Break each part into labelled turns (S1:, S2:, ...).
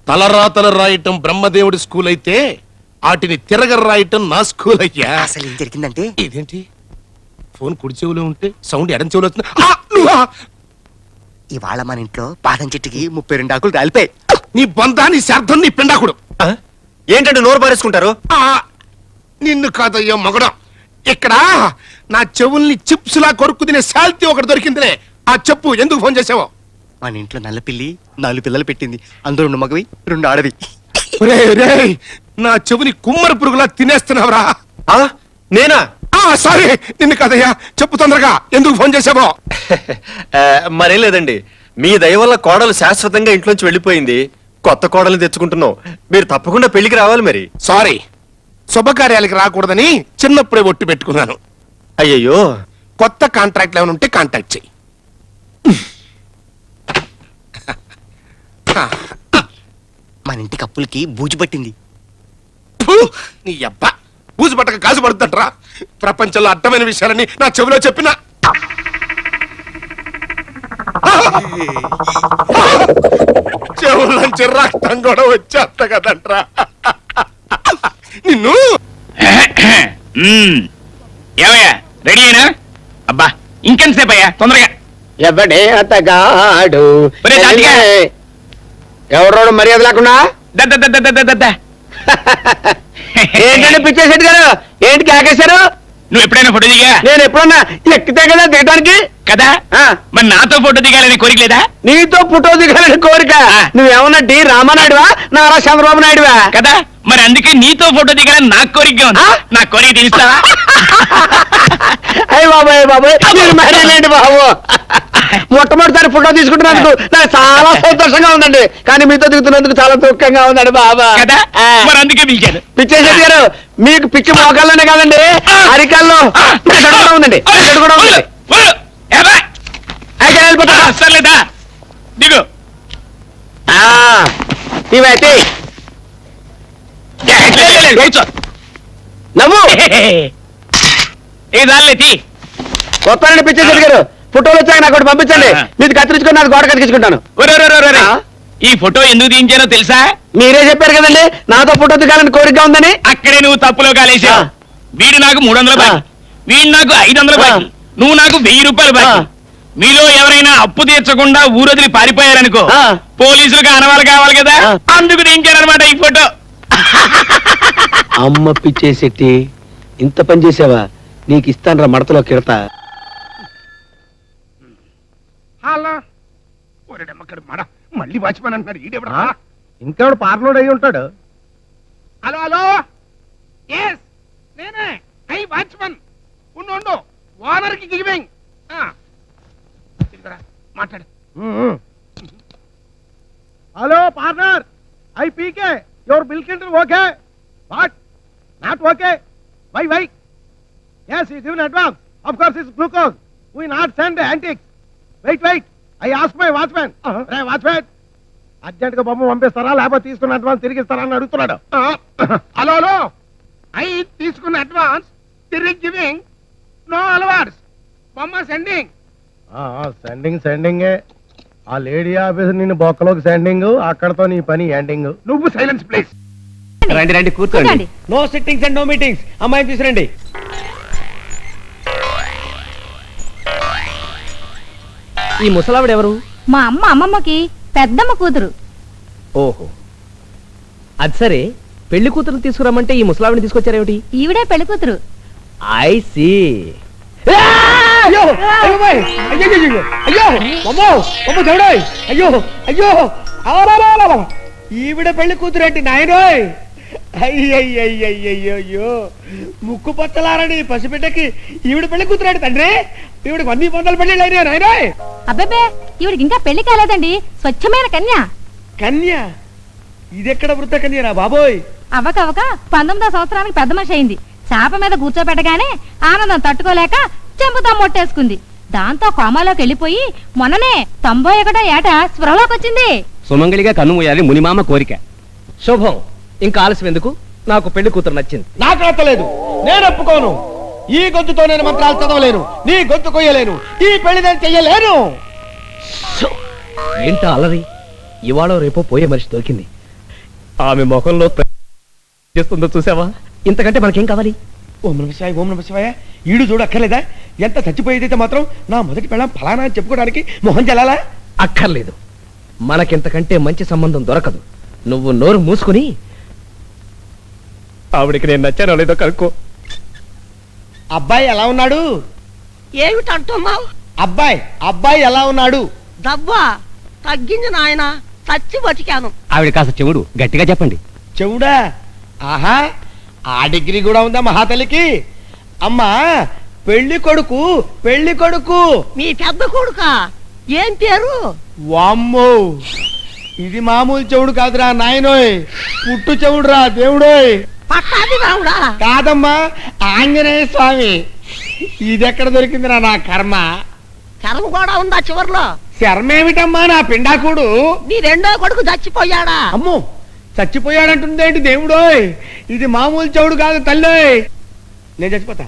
S1: తలరాతలు రాయటం బ్రహ్మదేవుడి స్కూల్ అయితే వాటిని తిరగ రాయటం నా స్కూల్ అయ్యా.
S2: అసలు ఏం జరిగిందంటే,
S1: ఇదేంటి ఫోన్ కుడి చెవులో ఉంటే సౌండ్ ఎడం చెవులో వస్తుంది. ఆ, నువ్వా?
S2: ఇవాళ మన ఇంట్లో బాదం చెట్టుకి 32 ఆకులు రాలిపోయి.
S1: నీ బంధాన్ని శార్థం నీ పిండాకుడు.
S2: ఏంటంటే నోరు పారేసుకుంటారు?
S1: నిన్ను కాదయ్యో మగడం. ఇక్కడ నా చెవుల్ని చిప్స్ లా కొరుక్కు తినే శాల్తీ ఒకటి దొరికిందిలే. ఆ చెప్పు, ఎందుకు ఫోన్ చేసావో?
S2: మన ఇంట్లో నల్ల పిల్లి 4 పిల్లలు పెట్టింది. అందులో 2 మగవి 2 ఆడవి.
S1: నా చెవుని కుమ్మర పురుగులా తినేస్తున్నావురా.
S2: నేనా?
S1: సారీ, నిన్ను కాదయ్యా. చెప్పు తొందరగా, ఎందుకు ఫోన్ చేసావో?
S2: మరేం లేదండి, మీ దయ వల్ల కోడలు శాశ్వతంగా ఇంట్లోంచి వెళ్ళిపోయింది. కొత్త కోడలు తెచ్చుకుంటున్నాం. మీరు తప్పకుండా పెళ్లికి రావాలి. మరి
S1: సారీ, శుభకార్యాలకి రాకూడదని చిన్నప్పుడే ఒట్టు పెట్టుకున్నాను.
S2: అయ్యయ్యో,
S1: కొత్త కాంట్రాక్ట్ ఏమైనా ఉంటే కాంటాక్ట్ చెయ్యి.
S2: మన ఇంటి కప్పులకి బూజు పట్టింది.
S1: నీ అబ్బా, బూజు పట్టక కాజు పడుతుంటరా? ప్రపంచంలో అర్థమైన విషయాలని నా చెవిలో చెప్పిన చెవులోంచి రక్తం కూడా వచ్చేస్త కదంట్రా నిన్ను.
S3: ఏమయ్యా, రెడీ అయినా? అబ్బా, ఇంకెంతసేపు అయ్యా, తొందరగా.
S4: ఎవడే అతగాడు ఎవరోడు మర్యాద లేకుండా ఏంటంటే పిచ్చేసేటి గారు, ఏంటి కేకేశారు?
S3: నువ్వు ఎప్పుడైనా ఫోటో దిగా?
S4: నేను ఎప్పుడన్నా ఎక్కితే కదా దిగడానికి
S3: కదా. మరి నాతో ఫోటో దిగాలని కోరిక లేదా?
S4: నీతో ఫోటో దిగాలని కోరిక? నువ్వేమన్నా డి రామానాయుడువా, నారా చంద్రబాబు నాయుడువా?
S3: కదా, మరి అందుకే నీతో ఫోటో దిగాలని నాకు కోరిక ఉంది. నా కోరిక తీస్తావా?
S4: అయ్యి బాబాయ్ బాబాయ్, మీరు మరేలేండి బాబు. మొట్టమొదటిసారి ఫోటో తీసుకుంటున్నందుకు నాకు చాలా సంతోషంగా ఉందండి, కానీ మీతో దిగుతున్నందుకు చాలా దుఃఖంగా ఉందండి బాబా.
S3: కదా, మరి అందుకే పిలిచాను.
S4: పిచ్చేసేది గారు, మీకు పిచ్చి మోకాల్లోనే కాదండి, అరికాల్లో కూడా ఉందండి. కూడా ఉంది.
S3: సర్లేదా, దిగు.
S4: ఇవైతే నవ్వు
S3: ఏదాలేతి
S4: కొత్త పిచ్చేసేది గారు, ఫోటోలు వచ్చాక నాకు ఒకటి పంపించండి. మీరు కత్తిరించుకొని నాకు గోడ కత్తిరించుకుంటాను.
S3: ఈ ఫోటో ఎందుకు తీయించానో తెలుసా?
S4: మీరే చెప్పారు కదండి నాతో ఫోటో దిగాలని కోరిక ఉందని.
S3: అక్కడే నువ్వు తప్పులో కాలేసావు. వీడు నాకు 300 బాకీ, వీడు నాకు 500 బాకీ, నువ్వు నాకు 1000 రూపాయలు బాకీ. మీలో ఎవరైనా అప్పు తీర్చకుండా ఊరొదిలి పారిపోయారనుకో, పోలీసులకు అనవాలు కావాలి కదా, అందుకు తీయించారనమాట ఈ ఫోటో.
S4: అమ్మ పిచ్చేసెట్టి, ఇంత పని చేసావా? నీకు ఇస్తాను రా మడతలో కిడతా.
S1: మళ్ళీ వాచ్మెన్ అంటున్నాడు ఈడెవడా?
S4: ఇంకెవడు పార్లోడ్ అయి ఉంటాడు.
S1: హలో హలో, ఎస్ నేనే, ఐ వాచ్మెన్. ఉండు, ఓనర్ కి గివింగ్. మాట్లాడు.
S4: Hello partner, I PK your bill counter okay, what not okay, why yes he given advance, of course it's glucose, we not send antiques, wait I ask my watchman. Hey watchman, urgent గా బొమ్మ పంపిస్తారా లేకపోతే తీసుకున్న advance తిరిగి ఇస్తారా అని అడుగుతున్నాడు.
S1: Hello, I తీసుకున్న అడ్వాన్స్ తిరిగి గివింగ్, నో అలవాట్స్, బొమ్మ సెండింగ్.
S4: సెండింగే. ఆ లేడీ ఆఫీసర్ నిన్ను బొక్కలోకి సెండింగ్, అక్కడతో నీ పని ఎండింగ్.
S1: నువ్వు సైలెన్స్ ప్లీజ్.
S4: రండి కూర్చోండి. No sittings and no meetings. అమ్మాయిని తీసుకురండి. ఈ ముసలావిడ ఎవరు?
S5: మా అమ్మమ్మకి పెద్దమ్మ కూతురు.
S4: ఓహో, అది సరే, పెళ్లి కూతురు తీసుకురమ్మంటే ఈ ముసలావిడిని తీసుకొచ్చారేమిటి?
S5: ఈవిడే పెళ్లి కూతురు.
S4: I see. అయ్యో ఈవిడ పెళ్లి కూతురేంటి నాయనోయ్? అయ్యయ్యో, ముక్కు పచ్చలారని పసిబిడ్డకి ఈవిడ పెళ్లి కూతురేంటి తండ్రి? ఈవిడికి 100 పెళ్లి అయినా నాయనోయ్.
S5: అబ్బే, ఈవిడికి ఇంకా పెళ్లి కాలేదండి, స్వచ్ఛమైన కన్య.
S4: కన్య? ఇదెక్కడ వృత్త కన్యరా బాబోయ్?
S5: అవ్వకవ్వక 19వ సంవత్సరానికి పెద్ద మనిషి అయింది. చాప మీద కూర్చోబెట్టగానే ఆనందం తట్టుకోలేక చెంపుతా మొట్టేసుకుంది. దాంతో కోమాలోకి వెళ్ళిపోయి మొన్ననే 91వ ఏట స్పృహలోకి వచ్చింది.
S4: సుమంగళిగా కన్నుమూయాలి మునిమామ కోరిక. శుభం, ఇంకా ఆలస్యం ఎందుకు? నాకు పెళ్లి కూతురు నచ్చింది. నాకు నచ్చలేదు, నేను ఒప్పుకోను. ఈ గొంతుతో నేను మంత్రాలు చదవలేను, నీ గొంతు కొయ్యలేను, ఈ పెళ్లి నేను చెయ్యలేను. ఏంటో అలరి, ఇవాళ రేపో పోయే మనిషి దొరికింది.
S6: ఆమె ముఖంలో చేస్తుందో చూసావా? ఇంతకంటే మనకేం కావాలి?
S4: ఓం నమ శివాయ, ఓం నమ శివాయ. ఈడు చూడు అక్కర్లేదా? ఎంత చచ్చిపోయేదైతే మాత్రం నా మొదటి పెళ్ళం ఫలానా అని చెప్పుకోవడానికి మొహం చెల్లాలా?
S6: అక్కర్లేదు. మనకింతకంటే మంచి సంబంధం దొరకదు. నువ్వు నోరు మూసుకుని ఆవిడికి నేను నచ్చానో లేదో కనుక్కో.
S4: అబ్బాయి ఎలా ఉన్నాడు?
S7: ఏమిటంటున్నావు?
S4: అబ్బాయి ఎలా ఉన్నాడు?
S7: దవ్వా తగ్గింది నాయన, చచ్చి బతికాను.
S6: ఆవిడ కాస్త చెవుడు గట్టిగా చెప్పండి.
S4: చెవుడా? ఆహా, ఆ డిగ్రీ కూడా ఉందా మహాతల్లికి? అమ్మా, పెళ్లి కొడుకు.
S7: మీ పెద్ద కొడుక ఏం పేరు?
S4: వామ్మో, ఇది మామూలు చెవుడు కాదురా నాయనోయ్, పుట్టు చెవుడురా దేవుడోయ్.
S7: పట్టాది రావుడా?
S4: కాదమ్మా, ఆంజనేయ స్వామి. ఇదెక్కడ దొరికిందిరా నా కర్మ?
S7: కర్మ కూడా ఉందా చివర్లో?
S4: శర్మేమిటమ్మా నా పిండాకుడు?
S7: నీ రెండో కొడుకు చచ్చిపోయాడా?
S4: అమ్మో, చచ్చిపోయాడంటుందేంటి దేవుడోయ్? ఇది మామూలు చెవుడు కాదు తల్లోయ్. నేను చచ్చిపోతా.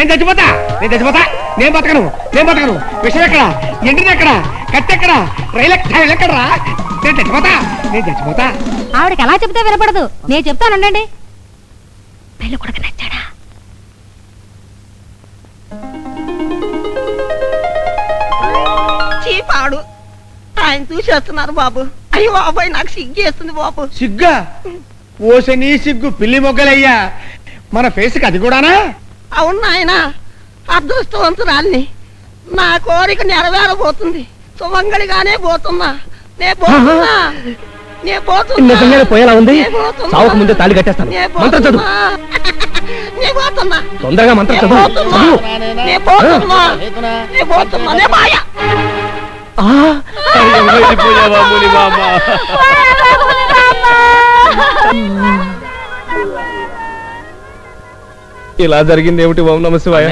S4: నేను బతకను. విషయం ఎక్కడ? ఎండిది ఎక్కడ? కట్టెక్కడ? రైలు ఎక్కడరా? నేను చచ్చిపోతా.
S5: ఆవిడకి ఎలా చెప్తే వినపడదు. నేను చెప్తానండి. పెళ్లి కొడుకు నచ్చాడా?
S7: చీపాడు ఆయన చూసేస్తున్నారు బాబు. అయ్యో బాబాయ్, నాకు సిగ్గేస్తుంది బాబు.
S4: సిగ్గా? ఓసని సిగ్గు పిల్లి మొగ్గలయ్యా. మన ఫేస్కి అది కూడానా?
S7: అవును నాయన, అదృష్టవంతురాల్ని. నా కోరిక నెరవేరబోతుంది. సుమంగళిగానే పోతున్నా.
S6: నిజంగానే పోయేలా ఉంది. సావుకు ముందే తాళి కట్టేస్తాను. మంత్రం చదువు. తొందరగా మంత్రం చదువు. వెళ్ళిపోయావా ముని మామ? ఇలా జరిగింది ఏమిటి? ఓం నమ శివాయ.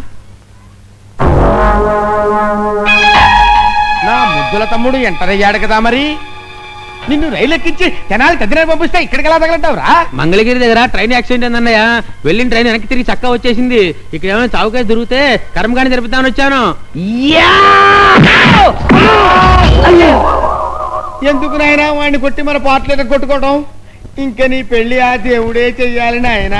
S4: నా ముద్దుల తమ్ముడు ఎంటర్ అయ్యాడు కదా మరి. నిన్ను రైలు ఎక్కించి జనాలు తదిన పంపిస్తే ఇక్కడికి ఎలా తగలంటావురా?
S8: మంగళగిరి దగ్గర ట్రైన్ యాక్సిడెంట్ అయిందన్నయ్య. వెళ్ళిన ట్రైన్ వెనక్కి తిరిగి చక్కా వచ్చేసింది. ఇక్కడ ఏమైనా చౌకేసి దొరికితే కర్మకాండి జరుపుతామని వచ్చాను.
S4: ఎందుకు నాయనా వాడిని కొట్టి మన పాటలు కొట్టుకోవడం? ఇంకా నీ పెళ్లి ఆ దేవుడే చెయ్యాలి నాయనా.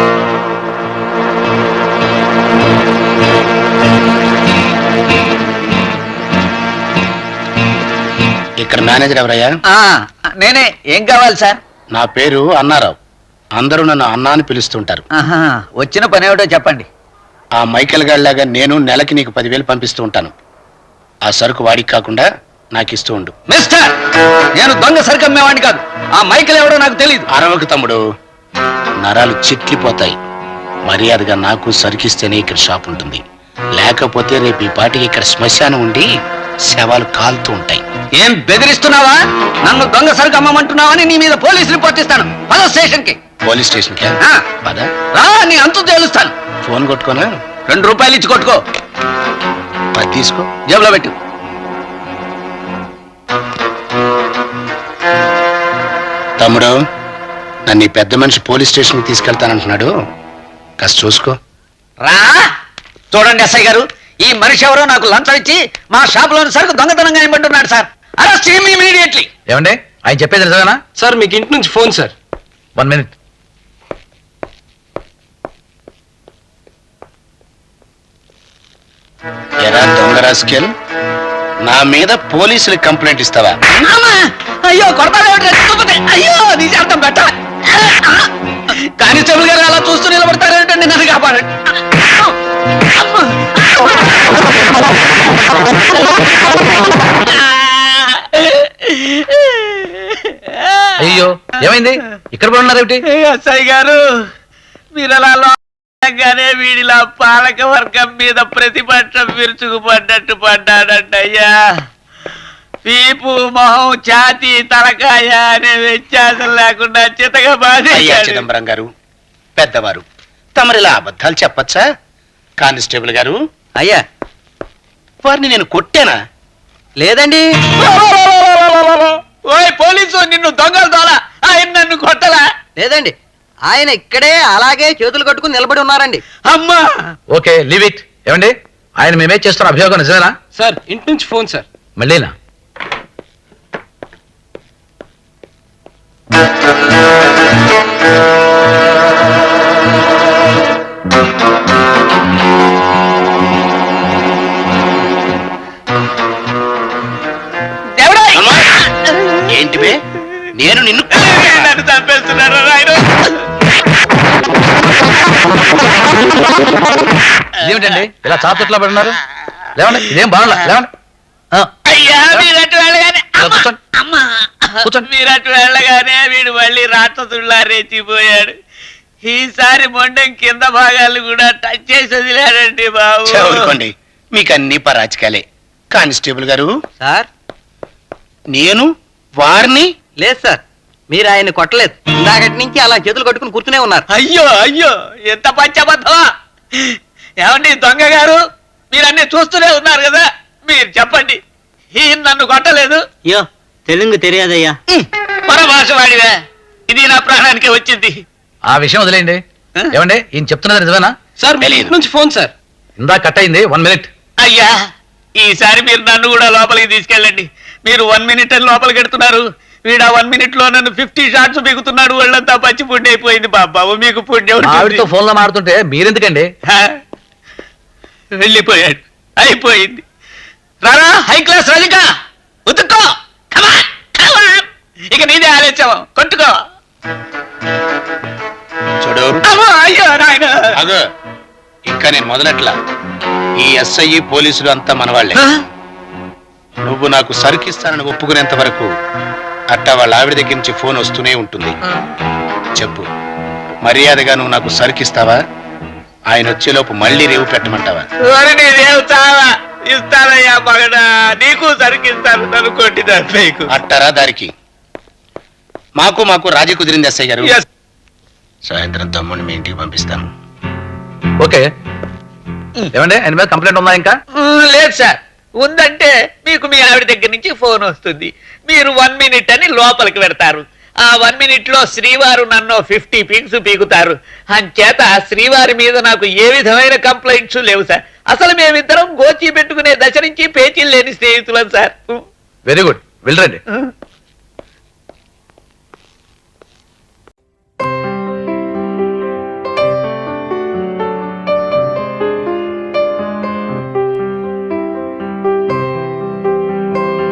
S9: ఇక్కడ మేనేజర్ ఎవరయ్యా?
S8: నేనే. ఏం కావాలి సార్?
S9: నా పేరు అన్నారావు. అందరూ నన్ను అన్నా అని పిలుస్తుంటారు.
S8: వచ్చిన పని ఏమిటో చెప్పండి.
S9: ఆ మైకేల్ గాడిలాగా నేను నెలకి నీకు 10,000 పంపిస్తూ ఉంటాను. ఆ సరుకు వాడికి కాకుండా నాకు ఇస్తూ ఉండు.
S8: మిస్టర్, నేను దొంగ సరుకు అమ్మేవాడిని కాదు. ఆ మైకేల్ ఎవడో నాకు తెలియదు.
S9: అరవకు తమ్ముడు, నరాలు చిట్లిపోతాయి. మర్యాదగా నాకు సరుకిస్తేనే ఇక్కడ షాప్ ఉంటుంది. లేకపోతే రేపు ఈ పాటికి ఇక్కడ శ్మశానం ఉండి శవాలు కాలుతూ ఉంటాయి.
S8: ఏం బెదిరిస్తున్నావా? నన్ను దొంగ సరుకు అమ్మమంటున్నావని నీ మీద పోలీస్ రిపోర్ట్ ఇస్తాను. పద స్టేషన్ కి.
S9: పోలీస్ స్టేషన్ కి పద.
S8: రా, నీ అంతు తేలుస్తాను.
S9: ఫోన్ కొట్టుకోనా?
S8: 2 రూపాయలు ఇచ్చి కొట్టుకో.
S9: 10 తీసుకో,
S8: జేబులో పెట్టు.
S9: తమ్ముడు, నన్ను ఈ పెద్ద మనిషి పోలీస్ స్టేషన్ కి తీసుకెళ్తానంటున్నాడు. కాస్త చూసుకో.
S8: రా, చూడండి ఎస్ఐ గారు, ఈ మనిషి ఎవరో నాకు లంచం ఇచ్చి మా షాప్ లోని సరుకు దొంగతనంగా ఇవ్వమంటున్నాడు సార్. Arrest him immediately.
S10: ఏమండి, ఆయన చెప్పేది నిజమేనా?
S2: సార్, మీకు ఇంటి నుంచి ఫోన్ సార్.
S10: 1 minute.
S9: ఎరా దొంగ రాస్కెల్, నా మీద పోలీసులకు కంప్లైంట్ ఇస్తావా?
S8: అయ్యో కొడతాడు. అయ్యో నీ అర్థం పెట్ట. కానిస్టేబుల్ గారు అలా చూస్తూ నిలబడతారేంటండి? నన్ను కాపాడండి.
S10: అయ్యో, ఏమైంది? ఇక్కడ కూడా ఉన్నారేమిటి?
S8: ఎస్ఐ గారు, మీరు అలా లోగానే వీడిలా పాలక వర్గం మీద ప్రతిపక్షం విరుచుకుపడ్డట్టు పడ్డాడంటయ్యా. పీపు, మొహం, ఛాతీ, తలకాయ అనే వ్యత్యాసం లేకుండా చితగా
S9: అయ్యా చిదంబరం గారు, పెద్దవారు, తమరిలా అబద్ధాలు చెప్పచ్చా? కానిస్టేబుల్ గారు,
S8: అయ్యా,
S9: వారిని నేను కొట్టానా?
S8: లేదండి. ఓయ్ పోలీసు, నిన్ను దొంగలు దోలా. ఆయన నన్ను కొట్టలా? లేదండి, ఆయన ఇక్కడే అలాగే చేతులు కట్టుకుని నిలబడి ఉన్నారండి. అమ్మా.
S10: Okay, leave it. ఏమండి, ఆయన మేమే చేస్తున్న అభియోగం నిజమేనా?
S2: సార్, ఇంటి నుంచి ఫోన్ సార్.
S10: మళ్ళీనా?
S9: ఏంటి బే నేను నిన్ను
S3: నన్ను చంపేస్తున్నారు రాయుడు.
S10: ఇదేమిటండి ఇలా చాతుట్లా పడున్నారు? లేవండి, ఇదేం బాగుందా? లేవండి. ఆ,
S3: అయ్యా మీరట్టు వెళ్ళగానే
S10: ఇలా కూర్చోండి.
S3: అమ్మా
S10: కూర్చోండి.
S3: మీరట్టు వెళ్ళగానే వీడు మళ్ళీ రాక్షసుల్లా రెచ్చిపోయాడు. ఈసారి మొండం కింద భాగాలు కూడా టచ్ చేసి వదిలాడండి బాబు.
S9: చదువుకోండి, మీకు అన్ని పరాచకాలే. కానిస్టేబుల్ గారు,
S8: సార్
S9: నేను వారిని
S8: లేదు సార్, మీరు ఆయన్ని కొట్టలేదు. ఇందాకటి నుంచి అలా చేతులు కట్టుకుని కూర్చునే ఉన్నారు.
S3: అయ్యో అయ్యో ఎంత పచ్చబద్ధమా. ఏమండి దొంగ గారు, మీరన్నీ చూస్తూనే ఉన్నారు కదా, మీరు చెప్పండి ఈయన నన్ను కొట్టలేదు?
S8: అయ్యో తెలుగు తెలియదయ్యా.
S3: పరభాష వాడివే, ఇది నా ప్రాణానికి వచ్చింది.
S10: ఆ విషయం వదిలేయండి. ఏమండి ఈయన చెప్తున్నది నిజమేనా?
S8: సార్
S9: తెలీదు.
S8: నుంచి ఫోన్ సార్.
S10: ఇందా కట్ అయింది, 1 minute.
S3: అయ్యా ఈసారి మీరు నన్ను కూడా లోపలికి తీసుకెళ్ళండి. మీరు 1 minute అని లోపలికి ఎడుతున్నారు, వీడు 1 minute లో నన్ను 50 shots బిగుతున్నాడు. వాళ్ళంతా పచ్చి పుణ్యం అయిపోయింది బాబు. మీకు పుణ్యం ఉంటుంది.
S10: ఆవిడతో ఫోన్ లో మాడుతుంటే మీరెందుకండి?
S3: హా? వెళ్ళిపోయాడు, అయిపోయింది. రారా హై క్లాస్ రజిక, ఉతుక్కో. Come on, come on. ఇక నీదే ఆలోచన, కొట్టుకో.
S9: చూడు,
S3: అమ్మో, అయ్యో నాయన.
S9: అగో ఇంకా నేను మొదలట్లా. ఈ ఎస్ఐ పోలీసులు అంతా మనవాళ్లే. నువ్వు నాకు సరుకిస్తానని ఒప్పుకునేంత వరకు అట్టా వాళ్ళ ఆవిడ దగ్గర నుంచి ఫోన్ వస్తూనే ఉంటుంది. చెప్పు, మర్యాదగా నువ్వు నాకు సరుకిస్తావా? ఆయన వచ్చేలోపు మళ్ళీ రేవు పెట్టమంటావా?
S3: ఓరి నీదేం చావా, ఇస్తానయ్యా మగడా, నీకు సరికిస్తాను, నన్ను కొట్టి తప్పేకు.
S9: అట్టారా దారికి? మాకు రాజీ కుదిరింది ఎస్ఐ గారు.
S3: Yes.
S9: సాయంత్రం తమ్ముడిని మీ ఇంటికి పంపిస్తాను.
S10: ఓకే. ఏమండి ఆయన మీద కంప్లైంట్ ఉందా ఇంకా?
S3: లేదు సార్, ఉందంటే మీకు మీ ఆవిడ దగ్గర నుంచి ఫోన్ వస్తుంది. మీరు 1 minute అని లోపలికి పెడతారు. ఆ 1 minute లో శ్రీవారు నన్ను 50 పిక్స్ పీకుతారు. అంచేత శ్రీవారి మీద నాకు ఏ విధమైన కంప్లైంట్స్ లేవు సార్. అసలు మేమిద్దరం గోచి పెట్టుకునే దశ నుంచి పేచీలు లేని స్నేహితులం సార్.
S10: వెరీ గుడ్, వెళ్ళరండి.